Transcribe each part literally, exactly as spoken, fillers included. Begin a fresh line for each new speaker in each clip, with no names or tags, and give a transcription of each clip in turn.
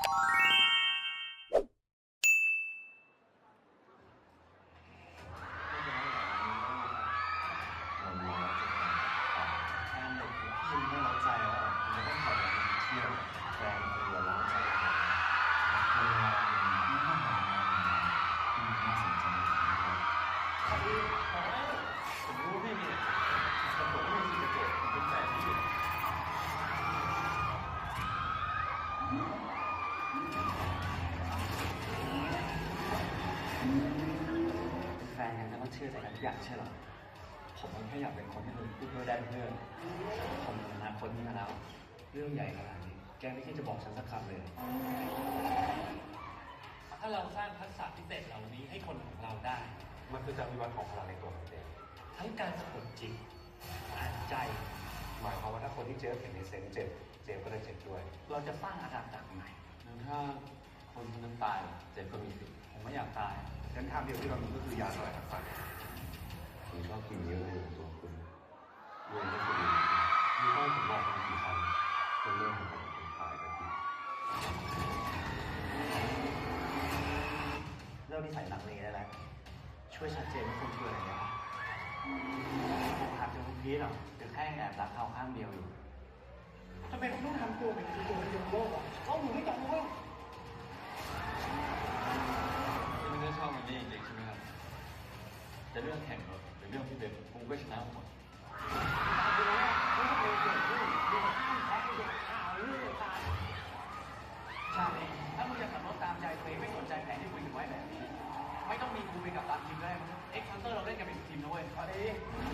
แฟนกันแล้วก็เชื่อใจกันทุกอย่างใช่หรอผมแค่อยากเป็นคนที่คุณพูดด้วยได้เพื่อนผมอนาคตนี้มาแล้วเรื่องใหญ่ขนาดนี้แกไม่คิดจะบอกฉันสักคำเลยถ้าเราสร้างทักษะพิเศษเหล่านี้ให้คนของเราได้มันคือการวิวัฒน์ของพลังในตัวของเจมทั้งการสะกดจิตอ่านใจหมายความว่าถ้าคนที่เจมเห็นในเซนเจ็บเจมก็ได้เจ็บด้วยเราจะสร้างอาณาจักรใหม่ถ้าคนคนนั้นตายเจมก็มีสิทธิ์ผมไม่อยากตายงั้นทางเดียวที่เรามีก็คือยาสลายทักษะคุณชอบกินเยอะเลยตัวคุณรวยไม่สุดมีต้องผมบอกคุณกี่ครั้งจนเรื่องของผมเป็นตายกันทีเรื่องนิสัยหลังนี้ได้แล้วช่วยชัดเจนว่าคุณคืออะไรนะหากเจอคุณพีทหรอจะแค่แอบรักเขาข้างเดียวอยู่ทำไมคุณต้องทำตัวเป็นตัวเดียวโลกอ่ะเขาหนูไม่ต้องรู้คุณไม่ได้ชอบมันนี่จริงใช่ไหมครับจะเรื่องแข่งรถหรือเรื่องพี่เบนผมก็ชนะหมดใช่ถ้ามึงจะขับรถตามใจตัวเองไม่สนใจแผนที่คุยกันไว้แบบนี้ไม่ต้องมีกูเป็นกับตามทีมได้มั้งเอ็กซ์คันเตอร์เราเล่นกันเป็นทีมนะเว้ยเอาดิ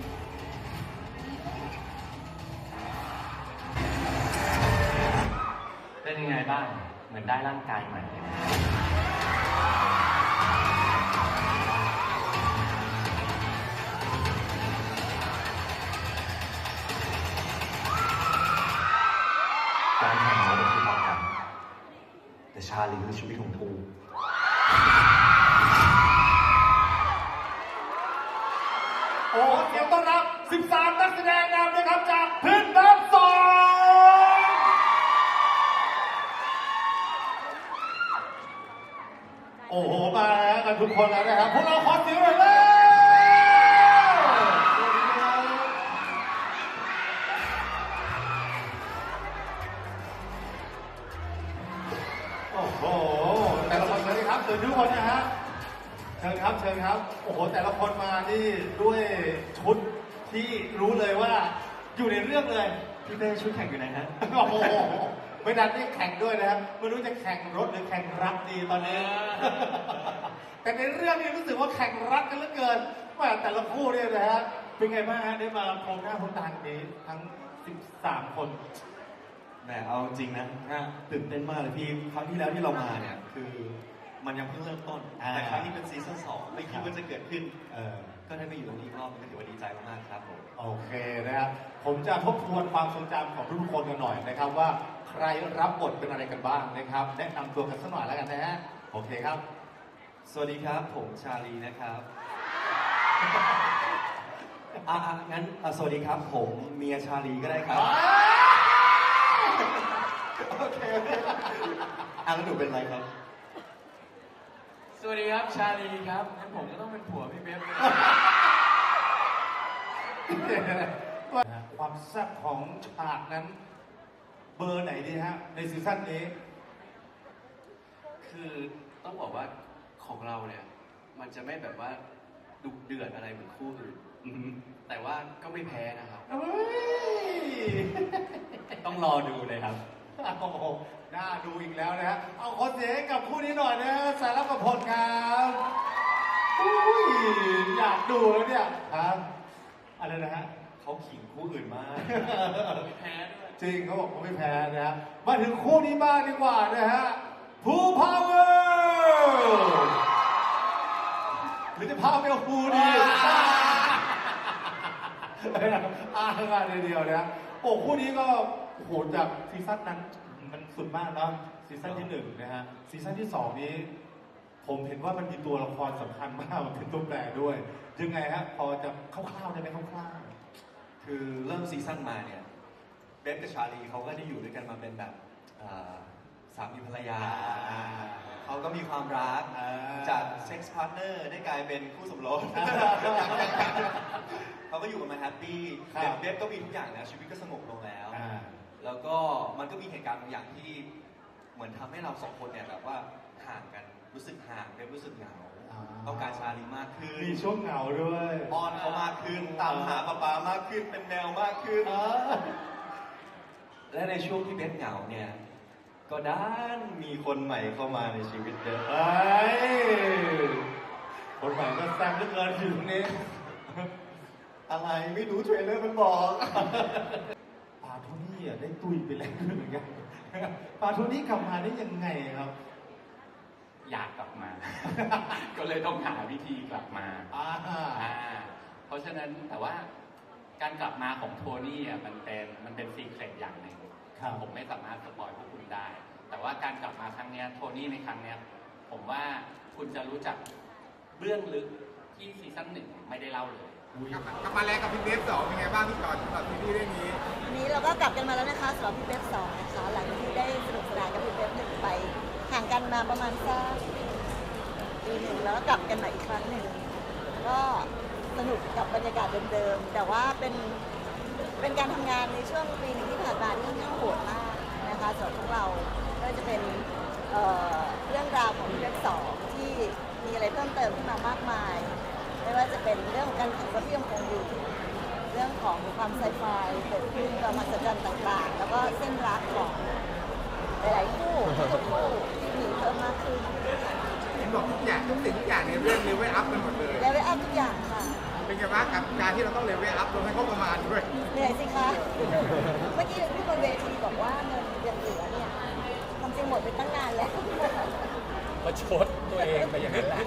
เป็นยังไงบ้างเหมือนได้ร่างกายใหม่การแข่งรถคือความกันแต่ชาลีคือชีวิตของกูโอ้เสียงต้อนรับสิบสามนักแสดงนำนะครับจากพื้นน้ำสองโอ้โหมาแล้วกันทุกคนแล้วนะครับพวกเราขอเสียงหน่อยเลยโอ้โหแต่ละคนเลยครับเชิญทุกคนนะฮะเชิญครับเชิญครับโอ้โหแต่ละคนมานี่ด้วยชุดที่รู้เลยว่าอยู่ในเรื่องเลยพี่เต้ชุดแข่งอยู่ไหนฮะโอ้โหไม่ดันได้แข่งด้วยนะครับไม่รู้จะแข่งรถหรือแข่งรักดีตอนนี้แต่ในเรื่องนี้รู้สึกว่าแข่งรักกันเหลือเกินว่าแต่ละคู่เนี่ยนะฮะเป็นไงบ้างฮะได้มาพบหน้าพบตากันนี้ทั้งสิบสามคนแหมเอาจริงนะตื่นเต้นมากเลยพี่ครั้งที่แล้วที่เรามาเนี่ยคือมันยังเพิ่งเริ่มต้นแต่ครั้งนี้เป็นซีซั่นสองไม่คิดว่าจะเกิดขึ้นก็ได้ไปอยู่ตรงนี้รอบก็ถือว่าดีใจมากๆครับผมโอเคนะครับผมจะทบทวนความทรงจำของทุกคนกันหน่อยนะครับว่าใครรับบทเป็นอะไรกันบ้างนะครับแนะนำตัวกันสักหน่อยแล้วกันนะฮะโอเคครับสวัสดีครับผมชาลีนะครับอ่ะงั้นสวัสดีครับผมเมียชาลีก็ได้ครับโอเคอ่ะแล้วหนูเป็นอะไรครับสวัสดีครับชาลีครับงั้นผมก็ต้องเป็นผัวพี่เบฟความแซ่บของฉากนั้นเบอร์ไหนดีฮะในซีซั่นนี้คือต้องบอกว่าของเราเนี่ยมันจะไม่แบบว่าดุเดือดอะไรเหมือนคู่อื่นแต่ว่าก็ไม่แพ้นะครับต้องรอดูเลยครับโอ้โหน่าดูอีกแล้วนะฮะเอาขอเสียงกับคู่นี้หน่อยนะสารพัดผลครับอุ้ยอยากดูแล้วเนี่ยครับอะไรนะฮะเขาขิงคู่อื่นมากไม่แพ้ด้วยจริงเขาบอกเขาไม่แพ้นะฮะมาถึงคู่นี้บ้างดีกว่านะฮะภูพาวเวอร์หรือจะพาไปกับภูดีอ่ากันเดียวนะโอ้คู่นี้ก็โอ้โหจากซีซั่นนั้นมันสุดมากนะซีซั่นที่หนึ่งนะฮะซีซั่นที่สองนี้ผมเห็นว่ามันมีตัวละครสำคัญมากมันเป็นตัวแปรด้วยยังไงฮะพอจะคร่าวๆได้ไหมคร่าวๆคือเริ่มซีซั่นมาเนี่ยเบฟกับชาลีเขาก็ได้อยู่ด้วยกันมาเป็นแบบ
สามีภรรยาเขาก็มีความรักจากเซ็กซ์พาร์ทเนอร์ได้กลายเป็นคู่สมรสเขาก็อยู่กันมาแฮปปี้เบฟก็มีทุกอย่างนะชีวิตก็สงบลงแล้วแล้วก็มันก็มีเหตุการณ์บางอย่างที่เหมือนทำให้เราสองคนเนี่ยแบบว่าห่างกันรู้สึกห่างเบฟรู้สึกเหงาต้องการชาลีมากขึ้น
มีช่วงเหงาด้วย
อ้อนเขามากขึ้นตามหาป๊าป๊ามากขึ้นเป็นแมวมากขึ้นและในช่วงที่เบฟเหงาเนี่ยก็ด้านมีคนใหม่เข้ามาในชีวิตเบฟ
ไอ้คนใหม่ก็แซ่บเหลือเกินอยู่ตรงนี้
อะไรไม่รู้เทรลเลอร์มันบอก
ปาโทนี่อ่ะได้ตุยไปแล้วเหมือนกันปาโทนี่กลับมาได้ยังไงครับ
อยากกลับมา ก็เลยต้องหาวิธีกลับมาอ่าเพราะฉะนั้นแต่ว่าการกลับมาของโทนี่อ่ะมันเป็นมันเป็นซีเคร็ตอย่างหนึ่งผมไม่สามารถสปอยพวกคุณได้แต่ว่าการกลับมาครั้งนี้โทนี่ในครั้งนี้ผมว่าคุณจะรู้จักเรื่องลึกที่ซีซั่นหนึ่งไม่ได้เล่าเลย
กลับมาแล้วกับพี่เบฟสองเป็นไงบ้างพี่ก่อนสำหรับซีรีส์เรื่องนี้
วันนี้เราก็กลับกันมาแล้วนะคะสำหรับพี่เบฟสองนะคะหลังที่ได้สนุกสนานกับพี่เบฟหนึ่งไปห่างกันมาประมาณสักปีหนึ่งแล้วก็กลับกันมาอีกครั้งหนึ่งก็สนุกกับบรรยากาศเดิมๆแต่ว่าเป็นเป็นการทำงานในช่วงปีหนึ่งที่ผ่านมาที่ค่อนข้างโหดมากนะคะสำหรับพวกเราก็จะเป็น เอ่อ เรื่องราวของพี่เบฟสองที่มีอะไรเพิ่มเติมขึ้นมามากมายไม่ว่าจะเป็นเรื่องของการแข่งรถที่ยังคงอยู่เรื่องของความไซไฟเกิดขึ้นความมหัศจรรย์ต่างๆแล้วก็เส้นรักของหลายๆคู่ทุกคู่ที่มีเพิ่มมากขึ้น
เห็นบอกทุกอย่างทุกสิ่งทุกอย่างในเรื่องเลเวลอัพกันหมดเลย
เลเวลอัพทุกอย่างค่ะ
เป็นไงบ้างกับการที่เราต้องเลเวลอัพลงให้เขาประมาณด้วย
เหนื่อยสิคะเมื่อกี้พี่บนเวทีบอกว่าเงินยังเหลือเนี่ยความจริงหมดไปตั้งนานแล้ว
ประชดตัวเองไปอย่างนั้นแหละ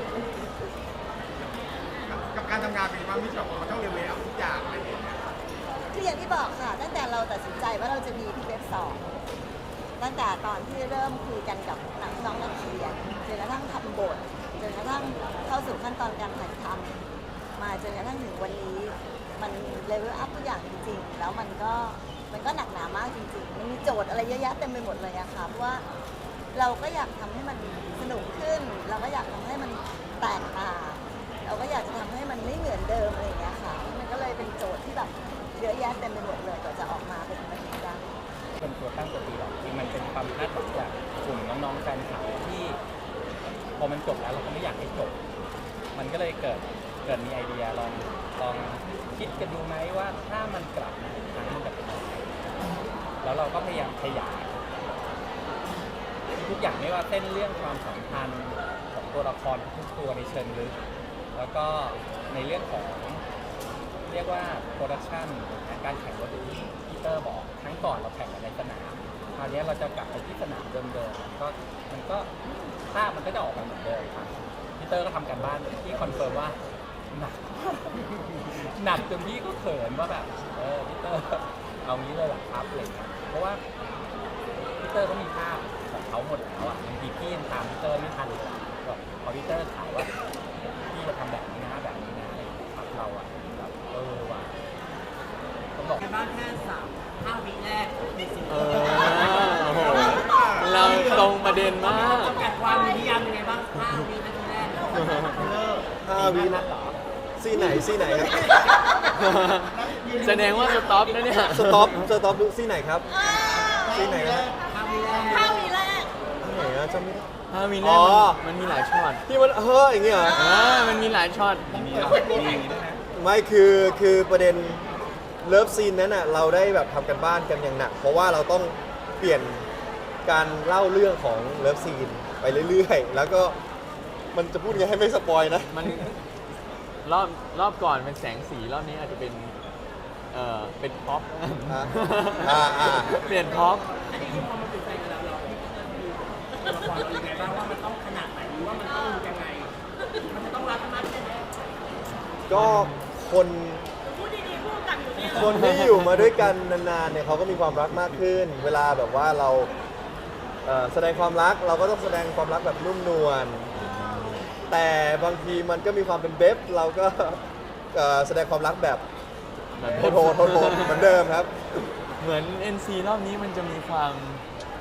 กับการทำงานเป็นว่ามิชชั่นมันต้องเลเวลอัพทุกอย่างอะไรอย่างเงี้ย
คืออย่างที่บอกค่ะตั้งแต่เราตัดสินใจว่าเราจะมีพี่เบฟสองตั้งแต่ตอนที่เริ่มคุยกันกับนักน้องนักเขียนจนกระทั่งทำบทจนกระทั่งเข้าสู่ขั้นตอนการถ่ายทำมาจนกระทั่งถึงวันนี้มันเลเวลอัพทุกอย่างจริงๆแล้วมันก็มันก็หนักหนามากจริงๆมันมีโจทย์อะไรเยอะแยะเต็มไปหมดเลยอะค่ะเพราะว่าเราก็อยากทำให้มันสนุกขึ้นเราก็อยากทำให้มันแตกต่างเราก็อยากจะทำให้มันไม่เหมือนเดิมอะไรอย่างเงี้ยค่ะมันก็เลยเป็นโจทย์ที่แบบเยอะแยะเต็มไปหมดเลยกว่าจะออกมาเป็นแบบนี้ได้
เป็นตัวตั้งตัวตีหรอกจริงมันเป็นความคาดหวังจากกลุ่มน้องๆแฟนคลับที่พอมันจบแล้วเราก็ไม่อยากให้จบมันก็เลยเกิดเกิดมีไอเดียลองลองคิดกันดูไหมว่าถ้ามันกลับมาอีกครั้งมันจะเป็นยังไงแล้วเราก็พยายามขยายทุกอย่างไม่ว่าเส้นเรื่องความสัมพันธ์ของตัวละครทุกตัวในเชิงลึกแล้วก็ในเรื่องของเรียกว่าโปรดักชันการแข่งรถที่พีเตอร์บอกครั้งก่อนเราแข่งกันในสนามคราวนี้เราจะกลับไปที่สนามเดิมๆมันก็มันก็ภาพมันก็จะออกมาเหมือนเดิมครับพีเตอร์ก็ทำการบ้านที่คอนเฟิร์มว่าหนักหนักจนพี่ก็เขินว่าแบบเออพีเตอร์เอางี้เลยหรอครับอะไรเงี้ยเพราะว่าพีเตอร์เขามีภาพของเขาหมดแล้วอ่ะบางทีพี่ยังตามพีเตอร์ไม่ทันเลยแบบพอพีเตอร์ถามว่าพี่จะทำแบบนี้นะแบบนี้นะอะไรครับเราอ่ะแบบเออว่ะต้องบอก
บ้านแค่สามห้าวิแรกในสิ่ง
เออโอ้โหเราตรงประเด็นมาก
จำกัดความนิยามยังไงบ้างห้าวินาทีแรก
ห้าวินะซีไหนซีไหนครับ
แสดงว่าสต็อปนะเนี่ย
สต็อปสต็อปดูซีไหนครับซีไหนครับ
ห้าวิแรก
ห้าวิแรก
ไหนอะจำไม่ได้
ห้าวิแรกมันมีหลายช็อต
ที่มันเฮ้ยอย่างเงี้ยเหรอ
อ่ามันมีหลายช็อต
ไม่คือคือประเด็นเลิฟซีนนั้นอ่ะเราได้แบบทำกันบ้านกันอย่างหนักเพราะว่าเราต้องเปลี่ยนการเล่าเรื่องของเลิฟซีนไปเรื่อยๆแล้วก็มันจะพูดยังไงให้ไม่สปอยนะ
มันรอบรอบก่อนเป็นแสงสีรอบนี้อาจจะเป็นเอ่อเป็นพ็อป
อ่าอ่า
เปลี่ยนพ็อป
อันนี้คือพอมันเป็นแฟนกันแล้วเราตัวละครเรายังไงบ้างว่ามันต้องขนาดไหนหรือว่ามันต้องยังไงมันจะต้องรักมากแค่ไหน
ก็คนคนที่อยู่มาด้วยกันนานๆเนี่ยเขาก็มีความรักมากขึ้นเวลาแบบว่าเราแสดงความรักเราก็ต้องแสดงความรักแบบนุ่มนวลแต่บางทีมันก็มีความเป็นเบฟเราก็แสดงความรักแบบโหดโหดโหดเหมือนเดิมครับ
เหมือน เอ็น ซี รอบนี้มันจะมีความ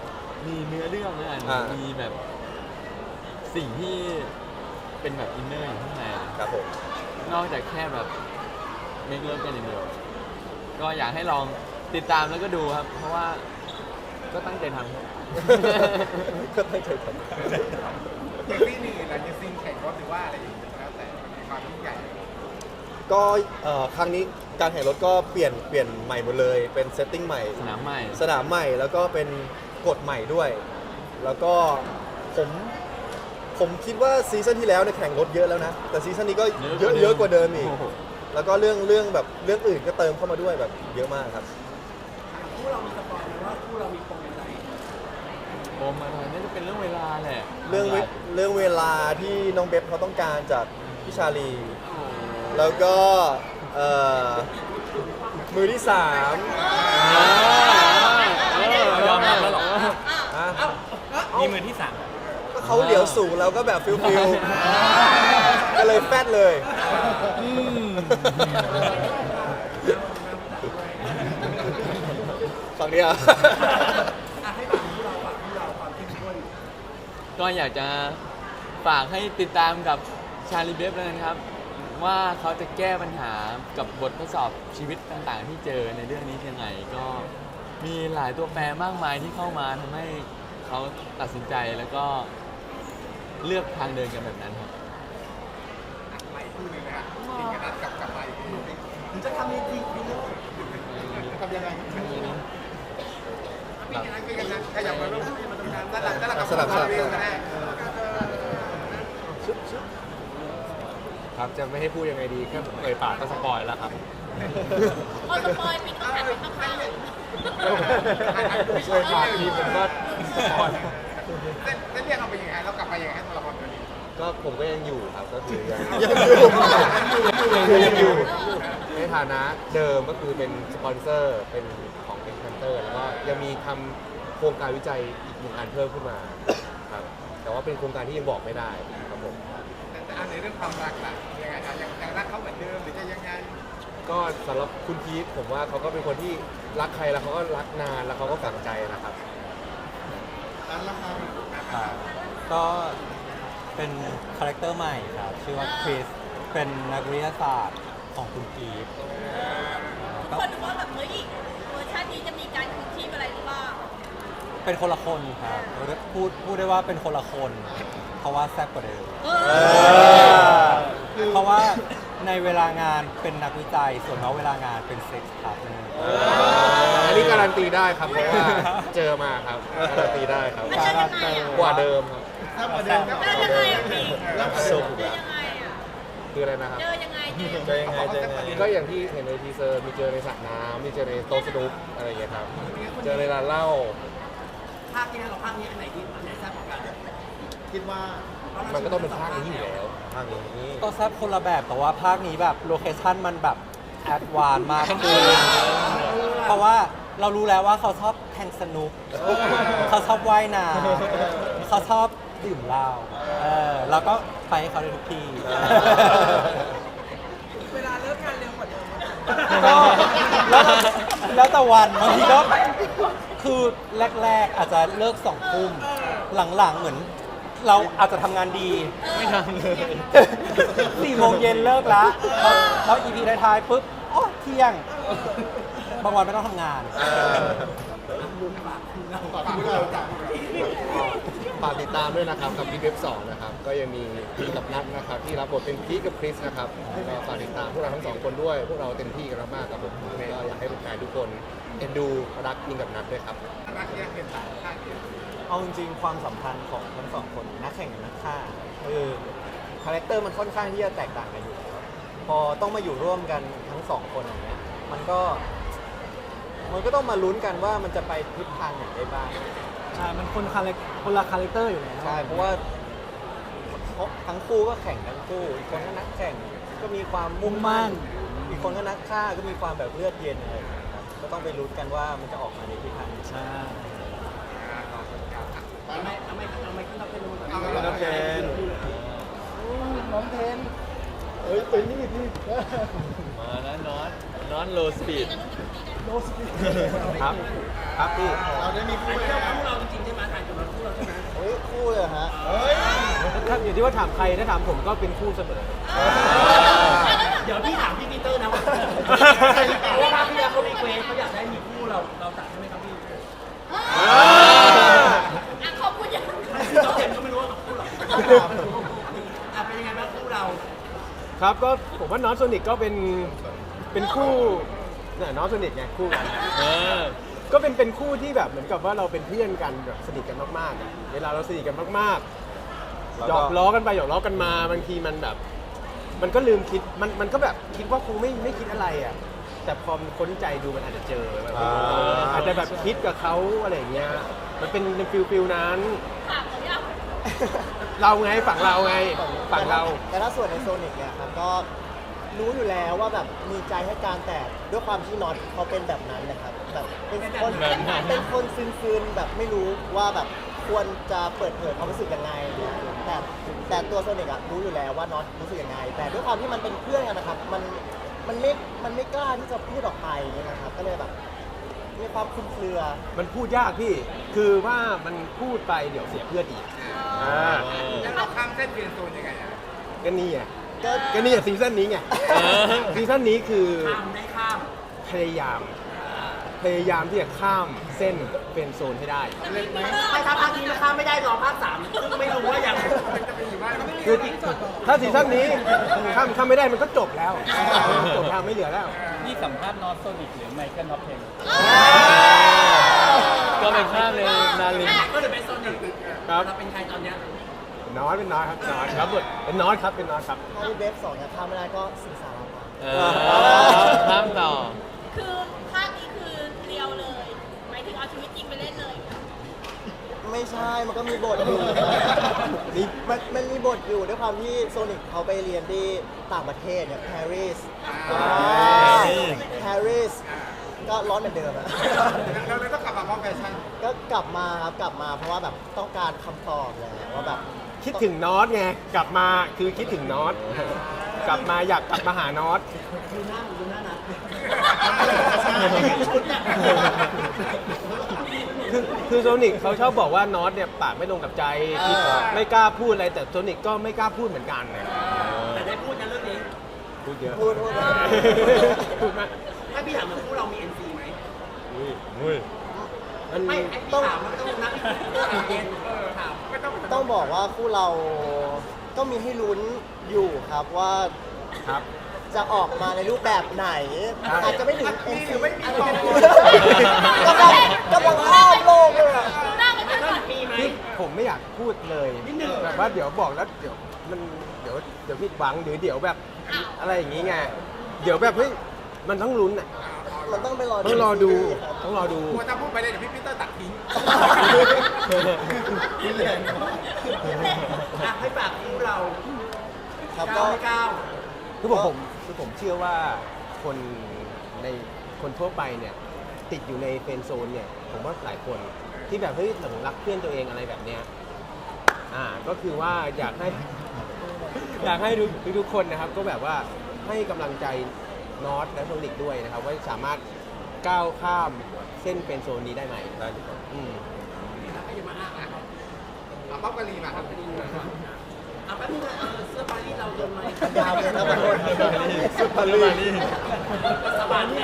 มีเนื้อเรื่องนะ
อ่ามี
มีแบบสิ่งที่เป็นแบบอินเนอร์อยู่ข้างใน
ครับผม
นอกจากแค่แบบเมคเลิฟกันอย่างเดียวก็อยากให้ลองติดตามแล้วก็ดูครับ เพราะว่าก็ตั้งใจทำครับ
ก็ตั้งใจท
อย่างที่นี่หลังจากซีนแข่งรถหรือว่าอะไรอย่างเงี้ยแล้วแต่มันมีความยิ่งใหญ่
ำก็เอ่อครั้งนี้การแข่งรถก็เปลี่ยนเปลี่ยนใหม่หมดเลยเป็นเซตติ้งใหม่
สนามใหม่
สนามใหม่แล้วก็เป็นกฎใหม่ด้วย แล้วก็ผมผมคิดว่าซีซั่นที่แล้วเนี่ยแข่งรถเยอะแล้วนะ แต่ซีซั่นนี้ก็เยอะเยอะกว่าเดิมอีก
โโห
แล้วก็เรื่องเรื่องแบบเรื่องอื่นก็เติมเข้ามาด้วยแบบเยอะมากครับ
คู่เรามีสปอยล์ไหมว่าคู่เรามีปมอะไร
โอมอะไรน่าจะเป็นเรื่องเวลาแหละ
เรื่องเวเรื่องเวลาที่น้องเบฟเขาต้องการจากพี่ชาลี แล้วก็เอ่อมือที่สาม
อ่าเออยอมรับแล้วเหรอ
อ่ะ
มีมือที่สาม
ก็เขาเหลียวสูงแล้วก็แบบฟิลฟิลก็เลยแฟดเลยฝั่งนี้อ่ะ
อ่ะให้ฝั่งคู่เราฝั่งคู่เราความเข้มข้น
ก็อยากจะฝากให้ติดตามกับชาลีเบฟเลยนะครับ ว่าเขาจะแก้ปัญหากับบททดสอบชีวิตต่างๆ ที่เจอในเรื่องนี้ยังไง ก็มีหลายตัวแปรมากมายที่เข้ามาทำให้เขาตัดสินใจแล้วก็เลือกทางเดินกันแบบนั้นครับ
ใหม่คู่หนึงนะฮะซีนกระนัดกับกับใหม่คู่หนึ่ง
หรือจะทำในทีวีเลย
ทำยังไงพี่กันนะพี่กันนะขยับมาลูกมาตรงนั้นด้านหลังด้านหลังกับ
สลับสลับ
เรื่องกันแน่
ครับจะไม่ให้พูดยังไงดีแค่เอ่ยปากก็สปอยแล้วครับ
พอสปอยปิดก็หันไปข้างๆ
เอ่ยปากทีผมก็สปอย
เส้นเส้นเรื่องเราเป็นยังไงเรากลับไปยังไงให้ตัวละครตัวนี้
ก็ผมก็ยังอยู่ครับก็คือยัง
ยังอยู่ยังอยู่ในฐานะเดิมก็คือเป็นสปอนเซอร์เป็นของเป็นคันเตอร์แล้วก็ยังมีทำโครงการวิจัยอีกหนึ่งอันเพิ่มขึ้นมาครับแต่ว่าเป็นโครงการที่ยังบอกไม่ได้ครับผม
แต่แต่อันในเรื่องความรักล่ะยังไงคะยังยังรักเขาเหมือนเดิมหรือจะยังไง
ก็สำหรับคุณพีทผมว่าเขาก็เป็นคนที่รักใครแล้วเขาก็รักนานแล้วเขาก็ฝังใจนะครับ
นั้นละครับ
ก็เป็นคาแรคเตอร์ใหม่ครับ ชื่อว่าคริส เป็นนักวิทยาศาสตร์ของคุณกีฟ
ทุกคนดูว่าแบบเฮ้ยเวอร์ชันนี้จะมีการคืนชีพอะไรหรือเปล่า
เป็นคนละคนครับพูดพูดได้ว่าเป็นคนละคน เพราะว่าแซ่บกว่าเดิม เพราะว่าในเวลางานเป็นนักวิจัย ส่วนนอกเวลางานเป็นเซ็กส์พาร์ทเนอร์
อันนี้การันตีได้ครับเพราะว่าเจอมาครับการันตีได้ครับ
มันจะยังไงอ่ะ
กว่าเดิมครับ
ถ้าประเด็นก็
เจอยังไงอ่ะพี่
รับชม
เจอยังไงอ่ะ
คืออะไรนะครับ
เจอยังไงเจอ
จะยังไงจะยังไง
ก็อย่างที่เห็นในทีเซอร์มีเจอในสระน้ำมีเจอในโต๊ะสนุกอะไรอย่างเงี้ยครับ เจอในร้านเหล้า
ภาคนี้เราภาคนี้อันไหนที่อันไหนแซ่บกว่ากัน
คิดว่า
มันก็ต้องเป็นภาคนี้อยู่แล้ว
ทางนี้
ก็แซ่บคนละแบบแต่ว่าภาคนี้แบบโลเคชั่นมันแบบแอดวานซ์มากขึ้นเพราะว่าเรารู้แล้วว่าเขาชอบแทงสนุก เขาชอบว่ายน้ำเขาชอบดื่มเหล้าเออเราก็ไปให้เขาได้ทุกที่
เวลาเลิกงานเร็วกว่าเดิม
ก็แล้วแล้วแต่วันบางทีก็คือแรก ๆ อาจจะเลิกสองทุ่มหลังๆเหมือน เราอาจจะทำงานดีไม่ทำเลยสี่โมงเย็นเลิกแล้วแล้วอีพีท้ายๆปุ๊บโอ้เที่ยง บางวันไม่ต้องทำงาน
ฝากติดตามด้วยนะครับกับพีคเว็บสองนะครับก็ยังมีพีคกับนัทนะครับที่รับบทเป็นพีคกับคริสนะครับก็ฝากติดตามพวกเราทั้งสองคนด้วย พวกเราเต็มที่กันมากๆครับผมก็อยากให้แฟนๆทุกคนเอ็นดูรักพีคกับนัทด้วยครับ
รักเนี่ยเป็นสายข้างเดียว
เอาจริงๆความสัมพันธ์ของทั้งสองคนนักแข่งกับนักฆ่าคือคาแรคเตอร์มันค่อนข้างที่จะแตกต่างกันอยู่แล้วพอต้องมาอยู่ร่วมกันทั้งสองคนอย่างเงี้ยมันก็มันก็ต้องมาลุ้นกันว่ามันจะไปทิศทางไหนได้บ้าง
ใช่ มันคนคาแรคคนละคาแรคเตอร์อยู่แล้ว
ใช่เพราะว่าทั้งคู่ก็แข่งทั้งคู่อีกคนก็นักแข่งก็มีความมุ่งมั่นอีกคนก็นักฆ่าก็มีความแบบเลือดเย็นอะไรอย่างเงี้ยครับก็ต้องไปลุ้นกันว่ามันจะออกมาในทิศทางไหน
ใช่
ทำไมทำไมทำไมขึ้นเราเป็น
เอา
น้องเทน
น้องเทน
เฮ้ยเป็นนี่พี่
มานะนอนนอนโลสปีด
โลสปีด
ครับครับพี่
เราได้มีคู่
อัน
แล้
นี้
ว
เราคู่เราจริงๆใช่ไหมถ่าย
ฮะถ้าอยู่ที่ว่าถามใครถ้าถามผมก็เป็นคู่เสมอ
เดี๋ยวพี่ถามพี่ปีเตอร์นะว่าเพราะว่าภาคที่แล้วเขารีเควสเขาอยากได้มีคู่เราเราตัดใช่ไหมครับพี่
อ่ะขอบคุณยัง
เราเห็นก็ไม่รู้ว่าคู่เราอ่ะเป็นยังไงบ้างคู่เรา
ครับก็ผมว่าน้องโซนิกก็เป็นเป็นคู่เนี่ยน้องโซนิกไงคู่กัน
เออ
ก็เป็นเป็นคู่ที่แบบเหมือนกับว่าเราเป็นเพื่อนกันแบบสนิทกันมากๆอะเวลาเราสนิทกันมากๆหยอกล้อกันไปหยอกล้อกันมาบางทีมันแบบ มันก็ลืมคิดมันมันก็แบบคิดว่าคงไม่ไม่คิดอะไรอ่ะแต่พอมันค้นใจดูมันอาจจะเจอแบบ
อ่า
อาจจะแบบคิดกับเขาอะไรอย่างเงี้ยมันเป็นฟิลฟิลนั้น
ถามเขายัง
เราไงฝั่งเราไงฝั่งเรา
แต่ถ้าส่วนในโซนิกเนี่ยครับก็รู้อยู่แล้วว่าแบบมีใจให้การแต่ด้วยความที่น็อตเขาเป็นแบบนั้นนะครับแบบเป็นคนเป็นคนซึนๆแบบไม่รู้ว่าแบบควรจะเปิดเผยความรู้สึกยังไงเนี่ยแต่แต่ตัวโซนิกอะรู้อยู่แล้วว่าน็อตรู้สึกยังไง แต่ด้วยความที่มันเป็นเพื่อนกันนะครับมันมันไม่มันไม่กล้าที่จะพูดออกไปนะครับก็เลยแบบมีความคลุมเครือ
มันพูดยากพี่ คือว่ามันพูดไปเดี๋ยวเสียเพื่อนอีกอ่า
แล้วเราข้ามเส้นเปลี่ยนโซนยังไงอ่ะ
ก็นี่ไง
ก็
ก็นี่อะซีซั่นนี้ไงซีซั่นนี้คือ
ข้ามได้ข้าม
พยายาม พยายามที่จะข้ามเส้นเป็นโซนให้ได้
ไม่ถ้าภาคนี้มันข้ามไม่ได้รอภาคสามซึ่งไม่รู้ว่ายัง
คือถ้าซีซั่นนี้ข้ามข้ามไม่ได้มันก็จบแล้ว จบทางไม่เหลือแล้ว
นี่สัมภาษณ์นอตโซนิกหรือไมเคิลท็อปเทน
ก็ไปข้ามเลยนาลิน
ก็เลยเป็นโซนิก
ครับ
เราเป็นใครตอนเนี้ย
น้อยเป็นน้อยครับน้อยครับเป็นน้อยครับเป็นน้อยครับ
ถ้าเว็บสองเนี่ยข้ามไม่ได้ก็สิงสารพัด
เออข้ามต่อ
คือภาคนี้คือเรียวเลยหมายถึงเอาชีวิตจริงไปเล่นเลย
ไม่ใช่ มันก็มีบทอยู่ มันมันมีบทอยู่ด้วยความที่โซนิกเขาไปเรียนที่ต่างประเทศเนี่ยปารีสปารีสก็ร้อนเหมือนเดิมอะ
เราเลยต้องกลับมาพร้อมแฟชั่น
ก็กลับมาครับกลับมาเพราะว่าแบบต้องการคำตอบเลยว่าแบบ
คิดถึงน็อตไงกลับมาคือคิดถึงน็อตกลับมาอยากกลับมาหาน็อต
ดูหน้าดูหน้านะ
คือคือโซนิกเขาชอบบอกว่าน็อตเนี่ยปากไม่ลงกับใจที่ไม่กล้าพูดอะไรแต่โซนิกก็ไม่กล้าพูดเหมือนกันเนี่ย
แต่ได้พูดนะเรื่องนี้
พูดเยอะ
พูดพูด
พูดมาก
ถ้าพี่ถามเหมือนคู่เรามี เอ็น ซี ไหม
อุ้ยอุ้ยมัน
ไม่ไอ้พี่ถามมันไม่ต้องนับเรื่องเย็นถามไม่ต้อง
ต้องบอกว่าคู่เราก็มีให้ลุ้นอยู่ครับว่า
ครับ
จะออกมาในรูปแบบไหน
ครับ
อาจจะไม่ถึง เอ็น ซี
ไม่มี
อาจ
ต่อ
จะกำลังกำลังข้ามโลกเลยอะ
ดูหน้ามันก่อน
มีไหม
พี่ผมไม่อยากพูดเลย
นิดนึง
แบบว่าเดี๋ยวบอกแล้วเดี๋ยวมันเดี๋ยวเดี๋ยวผิดหวังหรือเดี๋ยวแบบอะไรอย่างงี้ไงเดี๋ยวแบบเฮ้ยมันต้องลุ้นอ่ะ
มันต้องไปรอ
ต้องรอดู
ครับ
ต้องรอดู
กลัวถ้าพูดไปเลยเดี๋ยวพี่ปีเตอร์ตัดทิ้ง
อ่ะให้ฝากคู่เรา
ครับ
เก้า
ก็
ไม่เก้า
คือผมผมคือผมเชื่อว่าคนในคนทั่วไปเนี่ยติดอยู่ในเฟรนด์โซนเนี่ยผมว่าหลายคนที่แบบเฮ้ยหลงรักเพื่อนตัวเองอะไรแบบเนี้ยอ่าก็คือว่าอยากให้ อยากให้ทุกทุกคนนะครับก็แบบว่าให้กำลังใจนอตและโซนิกด้วยนะครับว่าสามารถก้าวข้ามเส้นเป็นโซนนี้ได้ไหมได้อืม
เอาป๊อปกะลีมาครับ
อ่ะแป๊บนึงนะเออเสื้อปารีสเราโดนไหม
ยาวเลยนะมันโดน
สุดพลี
สบายไหม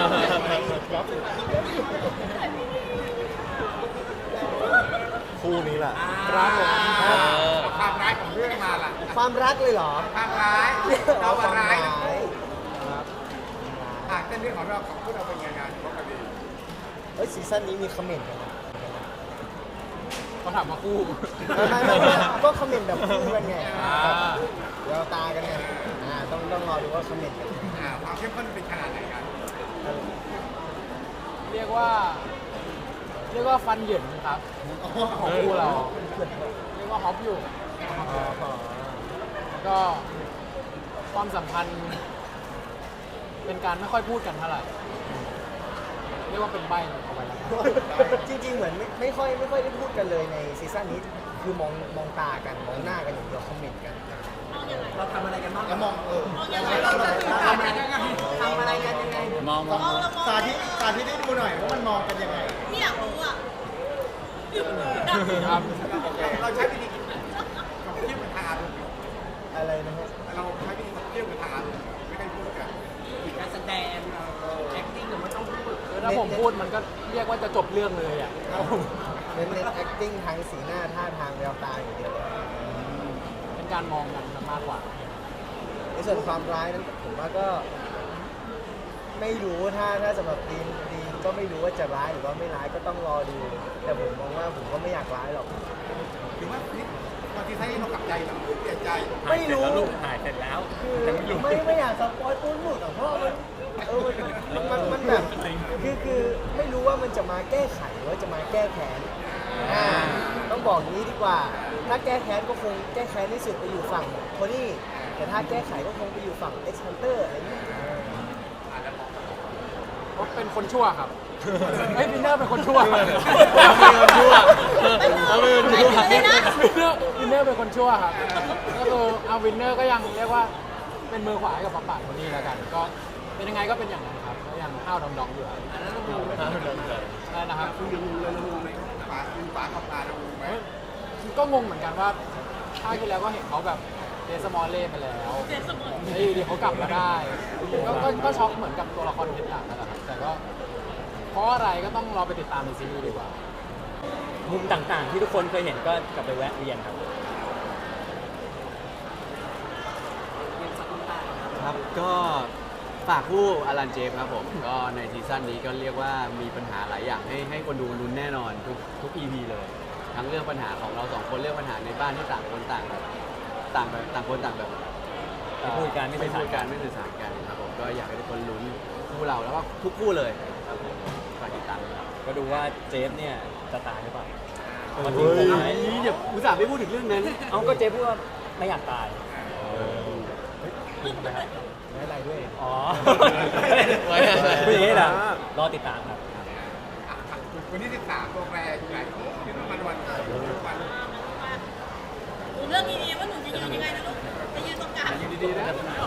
คู่นี้แหละ
ครับผม
ความร้ายของเรื่องมาล่ะ
ความรักเลยเหรอ
ความร้ายเราว่าร้ายนะ
ครับ
อ่ะเส้นเรื่องของเราของพวกเราเป็นยังไงป๊อปกะลี
เฮ้ยซีซั่นนี้มีคอมเมนต์กันนะ
เขาถามมาคู่
ไม่ไม่ไม่ไม่ก็คอมเมนต์แบบคู่กันไงเดี๋ยวตากันไงอ่าต้องต้องรอดูว่าคอมเมนต์กัน
อ่าความเข้มข้นเป็นขนาดไหนกัน
เรียกว่า เรียกว่าฟันเหยินครับ ของคู่เรา เรียกว่าฮอปอยู่แล้วก็ความสัมพันธ์ เป็นการไม่ค่อยพูดกันเท่าไหร่ เรียกว่าเป็นใบเอาไว้แล้วกัน
จริงๆ เหมือนไม่ไม่ค่อยไม่ค่อยได้พูดกันเลยในซีซั่นนี้ คือมองมองตากันมองหน้ากันอย่างเดียวคอมเมนต์กัน
เราทำอะไรกันบ้าง
แล้วมองเออ
ทำอะไรกันยังไงทำอะไรกันยังไง
มองมอง
สาธิตสาธิตให้ดูหน่อยว่ามันมองกันยังไง
ไม่อยากรู้อ่ะ
ครับ
เราใช้วิธี
อะไรนะครับ
เราไม่ได้เที่ยวกับทางไม่ได้พูดกัน
การแสดงเอ่อ acting หรือมันต้องพูด
ถ้าผมพูดมันก็เรียกว่าจะจบเรื่องเลยอ่ะ
เน้นเน้น acting ทางสีหน้าท่าทางแววตาอย่างเดียวเลย
เป็นการมองกันมากกว่า
ในส่วนความร้ายนั้นผมว่าก็ไม่รู้ถ้าถ้าสำหรับดีนดีนก็ไม่รู้ว่าจะร้ายหรือว่าไม่ร้ายก็ต้องรอดู แต่ผมมองว่าผมก็ไม่อยากร้ายหรอก
ถึงว่านี่ตอนที่ใช้เรากลับใจหรือเปลี่ยนใจ
ไม่รู้
ถ่ายเสร็จแล้ว
คือไม่ไม่อยากสปอยปูนหลุดอ่ะเพราะมันเออมันมันมันแบบคือคือไม่รู้ว่ามันจะมาแก้ไขหรือว่าจะมาแก้แค้นอ่าต้องบอกอย่างนี้ดีกว่า ถ้าแก้แค้นก็คงแก้แค้นที่สุดไปอยู่ฝั่งโทนี่แต่ถ้าแก้ไขก็คงไปอยู่ฝั่ง X Hunter อะไรอย่างเงี้ย
ก็เป็นคนชั่วครับเฮ้ยวินเนอร์เป็นคนชั่ว
เราเป็นคนชั่วเราเป็นคนชั่ว
วินเนอร์วินเนอร์เป็นคนชั่วครับก็คือเอาวินเนอร์ก็ยังเรียกว่าเป็นมือขวาให้กับปะปะคนนี้แล้วกัน ก็เป็นยังไงก็เป็นอย่างนั้นครับก็ยังห้าวดองๆอยู่ครับใช่นะครับ
ฟ้าคือฟ้าขับมาดูไหม
ก็งงเหมือนกันว่าภาคที่แล้วก็เห็นเขาแบบเดสมอลเล่ไปแล้ว
เจสมอน
แล้วอยู่ดีเขากลับมาได้ก็ก็ก็ช็อกเหมือนกับตัวละครเพชรดาบนั่นแหละครับแต่ก็เพราะอะไรก็ต้องรอไปติดตามในซีรีส์ดีกว่า
มุมต่างๆที่ทุกคนเคยเห็นก็กลับไปแวะเวียนครับ
ครับก็ฝากคู่อลันเจฟครับผม ก็ในซีซั่นนี้ก็เรียกว่ามีปัญหาหลายอย่างให้ให้คนดูลุ้นแน่นอนทุกทุก อี พี เลย ทั้งเรื่องปัญหาของเราสองคนเรื่องปัญหาในบ้านที่ต่างคนต่างแบบต่างแบบต่างคนต่างแบบ
ไม่พูดกันไม่
ไม่
สื่
พู
อ
ด
สาร
กันไม่สื่อสารกันครับผมก็อยากให้ทุกคนลุ้นคู่เราแล้วก็ทุกคู่เลยครับผมฝากติดตามด้วยครับ
ก็ดูว่าเจฟเนี่ยจะตายหรือเปล่า
เฮ้
มันจริงผมไหม
ยเดี๋ยวอุตส่าห์ไม่พูดถึงเรื่องนั้น
เอาก็เจฟพูดว่าไม่อยากตาย
ไม่อะไรด้วย
อ๋อ
ไว้
พูดอย่างนี้เหรอรอติดตามครับ
วันที่สิบสามตัวแปรอยู่ไหนที่ต้องมาวันวัน
หนูเลือกดีๆว่าหนูจะยืนยังไงนะลูกจะยืนตรงกลาง
อยู่ดีๆนะ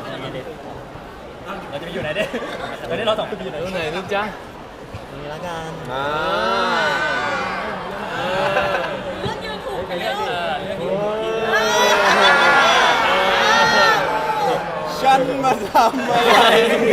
เราจะไปอยู่ไหนเด้ตอนนี้เราสองคนไปอยู่ไหน
ตรงไหนลูกจ๊ะ
นี่ละกัน
อ่า
เลือกยืนถูกไป
เรื่
แล้
อง
ว
เออเรื่องนี้
ฉันมาทำอะไร
นี่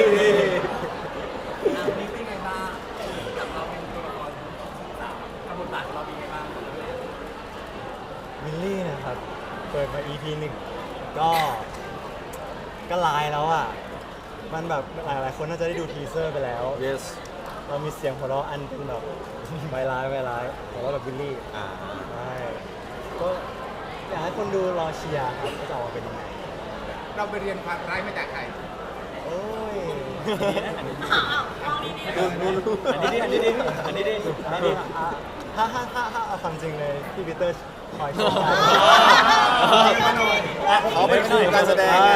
เป็นไงบ้างกับเราเป็นตัวละครสามกับบทบาทของเราเป็นไงบ้าง
วิลลี่นะครับเปิดมา อี พี หนึ่งก็ก็ลายแล้วอ่ะ มันแบบหลายๆคนน่าจะได้ดูทีเซอร์ไปแล้ว
yes
เรามีเสียงหัวเราะอันเป็นแบบ ไวร้ายไวร้ายหัวเราะแบบวิลลี่
อ่า
ใช่ก็อยากให้คนดูรอเชียร์ครับว่าจะออกมาเป็นยังไง
เราไปเรียนความร้ายมาจากใคร
โอ้ย
อ้าวมองดีๆนะ
อันนี้ดิอันนี้ดิอันนี้ดิอันนี้ดิ
อ่ะถ้าถ้าถ้าถ้าเอาความจริงเลยพี่ปีเตอร์คอยช่วย
เขาเป็นครูการแสดงไง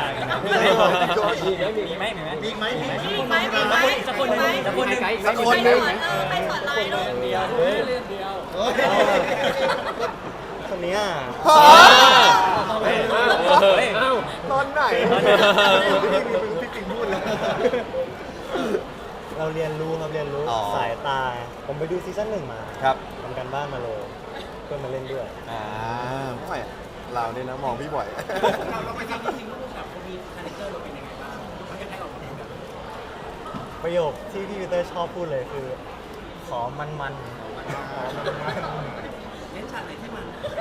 มีไหมมีไหม
มีไหมมีไหม
มีไหมมีไหม
สักคนหนึ่งสักคนหนึ่ง
สักคนหนึ่ง
เออไปสอนลายลูก
เดียวเรื่องเดียว
คนเนี้ย
ตอนไหน
พี่ปิงพูดแล้วเราเรียนรู้ครับเรียนรู้
อ๋อ
สายตา ผมไปดูซีซั่นหนึ่งมา
ครับ
ทำการบ้านมาเลยเพื่อนมาเล่นด้วย
อ่าไม่เราเนี่ยนะมองพี่บ่อย
เราเราไปทำจริงๆลูกกับคนมีคาแรคเตอร์เราเป็นยังไงบ้างเขาจะให้เราเป็นแบบ
ประโยคที่พี่ปีเตอร์ชอบพูดเลยคือ ขอมันมันๆขอมันมัน
เล่นฉากไหนที่มัน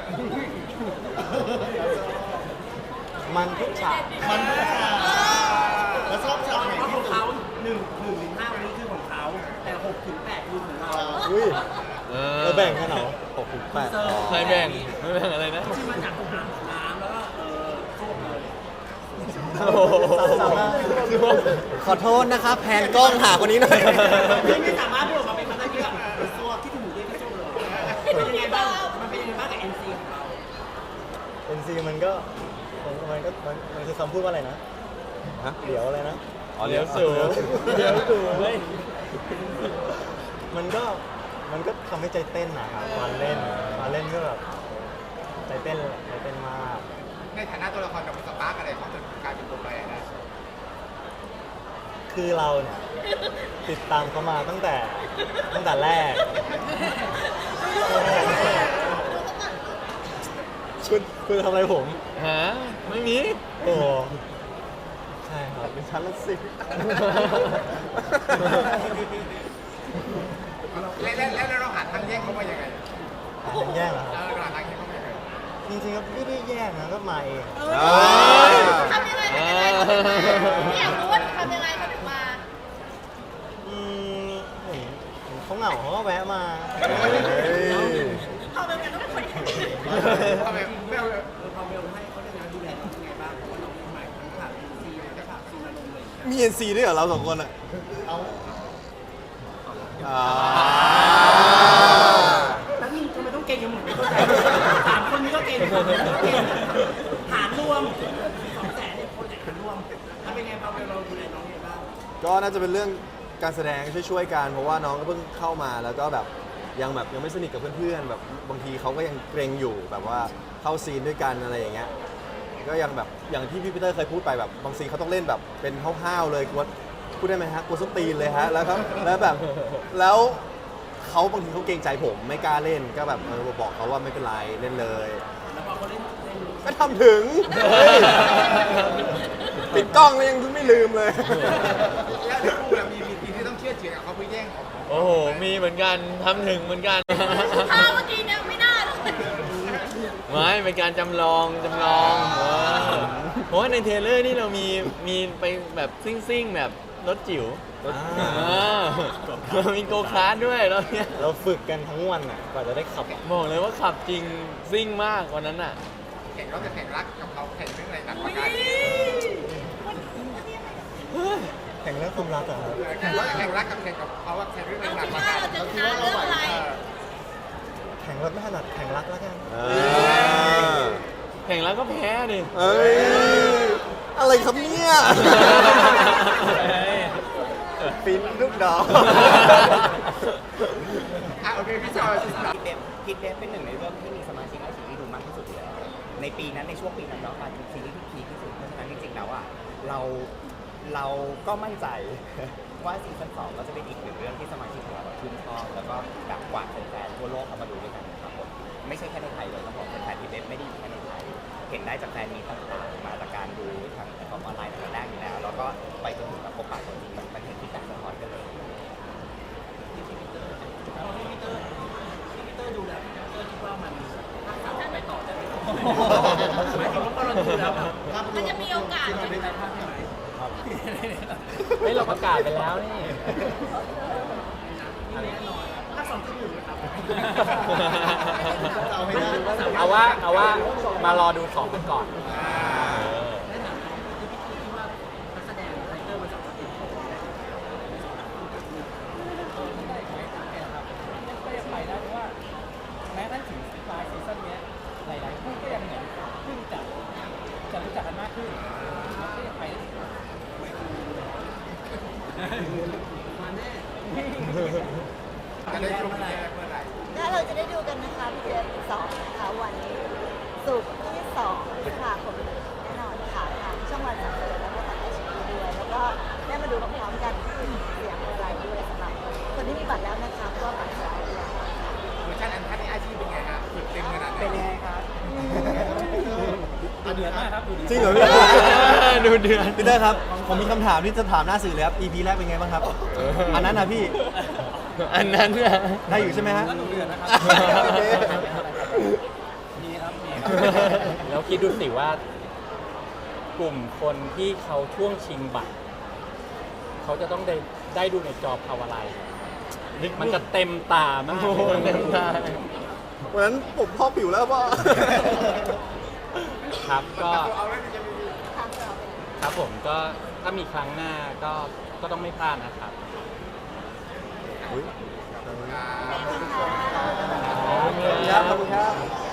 มันทุกฉากมันทุกฉากแล้วชอบฉากไหน
เพราะ
ที่
ของ
สุด
เขาหนึ่งหนึ่งถึงห้าวันนี้คือของเขาแต่หกถึงแปดคือของเรา
อุ้ย
เอ
เราแบ่งกันเหรอ
หกถึงแปด
ใครแบ่งไม่แบ่งอะไรนะ
ที่มาจากน้ำน้ำแล้วก็เออส้มเลย
ขอโทษนะครับ แพนกล้องหาคนนี้หน่อย
ที่ไม่สามารถพูดออกมาเป็นคำได้เยอะตัวที่ถึงหมูเด้งที่ส้มเลยเป็นยังไงบ้างมันเป็นยังไงบ้างกับ เอ็น ซี ของเรา
เอ็นซีมันก็มันมันก็มันมันคือคำพูดว่าอะไรนะ
ฮะ
เดี๋ยวอะไรนะ
อ๋อเลี้ยวสูง
เดี๋ยวสูงเฮ้ยมันก็มันก็ทำให้ใจเต้นนะครับมาเล่นมาเล่นก็แบบใจเต้นใจเต้นมาก
ในฐานะตัวละครกับสปาร์กอะไรเขาจนกลายเป็นตัวแปรนะ
คือเราเนี่ยติดตามเขามาตั้งแต่ตั้งแต่แรก
ชคุณคุณทำอะไรผม
ฮะไม่มี
โอ้ใช่ครับเป็นชั้นละสิ
แล้วแล้วแล้วเราหาทางแยกเขามายังไง
แย่เหรอค
เอ
รับ
อเราหาทางแยกเขามายังไง
จริงๆก็ไม่ได้แย่นะก็มาเอง
ทำยังไงทำยังไงเขาถึงมาอยากรู้ว่าทำยังไงเขาถึงมา
อืมเห็นเห็นเขาเหงาเขาก็แวะมา
เขาเป็นกันต้องเป็นคน
ทำไมไม่เอา
เออพอเบลให้เขาเรื่องงานดูแลน้องยังไงบ้างเพราะว่าน้องใหม่ทั้งขาดซีทั้งขาดซีนอารมณ์เลย
มี เอ็น ซี ด้วยเหรอเราสองคนอ่ะ
เอา
อ่า
แล้วนี่ทำไมต้องเก่งกันหมดไม่เข้าใจสามคนนี้ก็เก่งสามคนนี้ก็เก่งหารรวมสองแสนเนี่ยคนไหนหารรวมทำเป็นไงพอเบลเราดูแลน้องยังไงบ้าง
ก็น่าจะเป็นเรื่องการแสดงช่วยๆกันเพราะว่าน้องก็เพิ่งเข้ามาแล้วก็แบบยังแบบยังไม่สนิทกับเพื่อนๆแบบบางทีเขาก็ยังเกรงอยู่แบบว่าเข้าซีนด้วยกันอะไรอย่างเงี้ยก็ยังแบบอย่างที่พี่ปีเตอร์เคยพูดไปแบบบางซีนเขาต้องเล่นแบบเป็นห้าวๆเลยกลัวพูดได้ไหมฮะกลัวส้นตีนเลยฮะแล้วครับแล้วแบบแล้วเขาบางทีเขาเกรงใจผมไม่กล้าเล่นก็แบบเออบอกเขาว่าไม่เป็นไรเล่นเลย
แล้วพอเขาเล่นเล่น
ก็ทำถึงเฮ้ยปิดกล้องแล้วยังไม่ลืมเลย
แล้วในคู่เรามีมีทีที่ต้องเชื่อเฉื่อยกับเขาเพื่อแย่งของ
โอ้โหมีเหมือนกันทำถึงเหมือนกัน
ถ้าเมื่อกี้เนี่ยไม่น่าเลย
ไม่เป็นการจำลองจำลองเออเพราะว่าในเทรลเลอร์นี่เรามีมีไปแบบซิ่งๆแบบรถจิ๋ว
รถ
เออเรามีโกคาร์ทด้วยแล้วเนี่ย
เราฝึกกันทั้งวันอ่ะกว่าจะได้ขับ
บอกเลยว่าขับจริงซิ่งมากวันนั้นอ่ะ
แข่งเราจะแข่งรักกับเขาแข่งเรื่องอะไรหนักกว่ากัน
แข่งเรื่องความรักอะครับ
แข่งเราจะแข่งรักกับแข่งกับเขาว่าแข่งเรื่องอะไร
เรา
หนัก
คิด
กว่า
ว่า
กัน
เราจะชนะเรื่องอะไร
แข่งรถไม่ถนัดแข่งรักแล้วกัน
เออ
แข่งแล้วก็แพ้ดิ
เอ้ยอะไรครับเนี่ย ฟินลูกดอก
อ่ะโอเคพี่จอย
เดฟพิทเดฟเป็นหนึ่งในเรื่องที่มีสมาชิกในซีรีส์ดูมากที่สุดอยู่แล้วในปีนั้นในช่วงปีนั้นเนาะการเป็นซีรีส์ที่พีคที่สุดเพราะฉะนั้นจริงๆแล้วอ่ะเราเราก็มั่นใจ ว่าซีซั่นสองก็จะเป็นอีกหนึ่งเรื่องที่สมาชิกของเราชื่นชอบแล้วก็แบบกวาดแฟนๆทั่วโลกเข้ามาดูด้วยกันนะครับผมไม่ใช่แค่ในไทยเลยต้องบอกแฟนๆพิทเดฟไม่ได้อยู่แค่ในไทยเห็นได้จากแฟนมีต่างๆมาจากการดูทางแพลตฟอร์มออนไลน์ตั้งแต่แรกอยู่แล้วแล้วก็ไปจนถึงแบบพบปะคนจริงมันเห็นที่แตกสะท้อนกันเลย
พี่ปีเตอร์พี่ปีเตอร์พี่ปีเตอร์ดูแล้วพี่ปีเตอร์คิดว่ามันถ้าสามไปต่อได้ไหมหมายถึงว่าพอเราดูแล้วแบบ
มันจะมีโอกาส
มันเป็นใจภาพใช่ไหม
เฮ้ยเราประกาศไปแล้วนี่
ถ้าสองจุดหนึ่งนะครับ
เอาว่าเอาว่ามารอดูของกันก่อน
ในฐานะที่พี่คิดว่านักแสดงไทเกอร์มาจากประเทศของเราก็ยังไปได้เพราะว่าแม้กระทั่งถึงปลายซีซั่นนี้หลายๆคู่ก็ยังเหมือนเพิ่งจะจะรู้จักกันมากขึ้นก็ยังไปได้มาแน่
จะได้ชมแย่เมื่อไหร่
ถ้าเราจะได้ดูกันนะคะพี่เดือนสองนะคะวันนี้ศุกร์ที่สองพฤษภาคมนี้แน่นอนค่ะทางช่องวันสามสิบแล้วก็ทางไอชีด้วยแล้วก็ได้มาดูพร้อมๆกันที่เสียงอะไรด้วยสำหรับคนที่มีบัตรแล้วนะคะก็บัตรแล้วด้วย
เวอร์ชันอันทันในอาชีพเป็นไงฮะฝึกเต็มขนาดไหน
เป็นยังไงครับ
เดือดมากครับดูดี
จริงเหรอพี่
ดูเดือน
พี่เตอร์ครับ ผมมีคำถามที่จะถามหน้าสื่อเลยครับ อี พี แรกเป็นไงบ้างครับ อันนั้นนะพี่
อันนั้นน่ะ
ได้อยู่ใช่ไหมฮะ
ก็ดูเดือดนะครับ
โอเค
มีครับมีครับ
แล้วคิดดูสิว่ากลุ่มคนที่เขาช่วงชิงบัตร เขาจะต้องได้ได้ดูในจอภาวะไลน์มันจะเต็มตามาก
โอ้โหเต็มตา
วันนั้นผมพ่อผิวแล้วพ่อ
ครับก็
เอาแล้วจะมี
ครับผมก็ถ้ามีครั้งหน้าก็ก็ต้องไม่พลาดนะครับ
อุ๊ย
อ่า
ขอบคุณครับ ขอบคุณครับ